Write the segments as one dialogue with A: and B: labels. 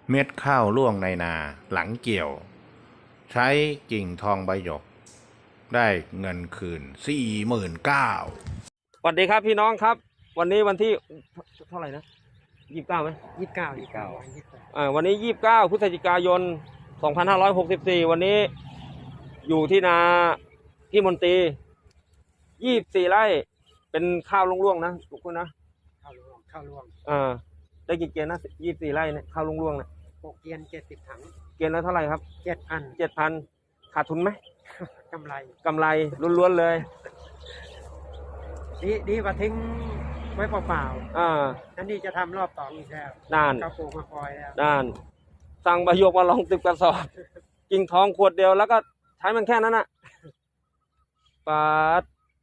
A: เม็ดข้าวร่วงในนาหลังเกี่ยว ใช้กิ่งทองใบหยก ได้เงินคืน49,000
B: สวัสดีครับพี่น้องครับ วันนี้วันที่เท่าไหร่นะ29ไหม
C: 29
B: วันนี้29พฤศจิกายน2564วันนี้อยู่ที่นาพี่มนตรี24ไร่เป็นข้าวร่วงๆนะทุกคนนะ
C: ข้าวร่วง
B: ได้กี่เกียนนะ24ไร่เนี่ยข้าวร่วงๆเนี่ย
C: 6เกียน70 ถัง
B: เกียนละเท่าไหร่ครับ
C: 7,000
B: ขาดทุนไหม
C: กำไร
B: ล้วนๆเลย
C: ดีกว่าทิ้งไว้เปล่าๆอันนี้จะทำรอบ2อีกแล้ว
B: นาน
C: เขาปลูกมาคอยแล้ว
B: นานสั่งใบหยกมาลอง10 กระสอบกิ่งทองขวดเดียวแล้วก็ใช้มันแค่นั้นน่ะปาด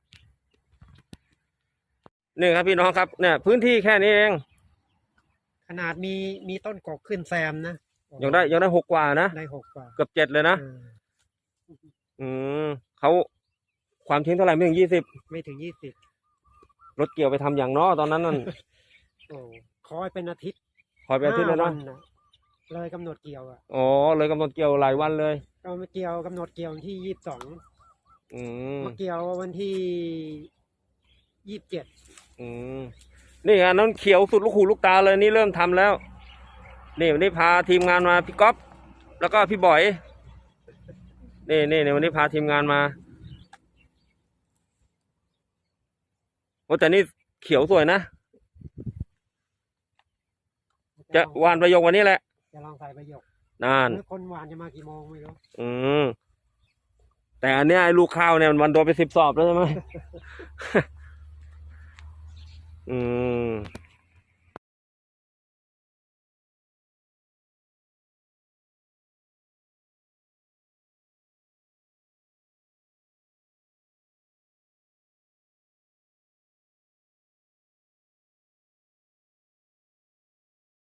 B: นี่ครับพี่น้องครับเนี่ยพื้นที่แค่นี้เอง
C: ขนาดมีต้นกกขึ้นแซมนะ
B: ยังได้6 กว่านะ
C: ได้6 กว่า
B: เกือบ7เลยนะเขาความทิ้งเท่าไหร่ไม่ถึง20
C: ไม่ถึง
B: รถเกี่ยวไปทำอย่างน้อตอนนั้นนั่น
C: คอยเป็นอาทิตย์
B: เลยนะ
C: เลยกำหนดเกี่ยว
B: เลยกำหนดเกี่ยวหลายวันเลย
C: เรามาเกี่ยวกำหนดเกี่ยววันที่22มาเกี่ยววันที่27
B: นี่อันนั้นเขียวสุดลูกหูลูกตาเลยนี่เริ่มทำแล้วนี่วันนี้พาทีมงานมาพี่ก๊อฟแล้วก็พี่บอยนี่วันนี้พาทีมงานมาโอ้แต่นี่เขียวสวยนะจะหวานประโยควันนี้แหละ
C: จะลองใส่ประโยค
B: นั่น
C: คนหวานจะมากี่โมงไม่รู้
B: แต่อันนี้ไอ้ลูกข้าวเนี่ยมันโดนไป10 สอบแล้วใช่ไหม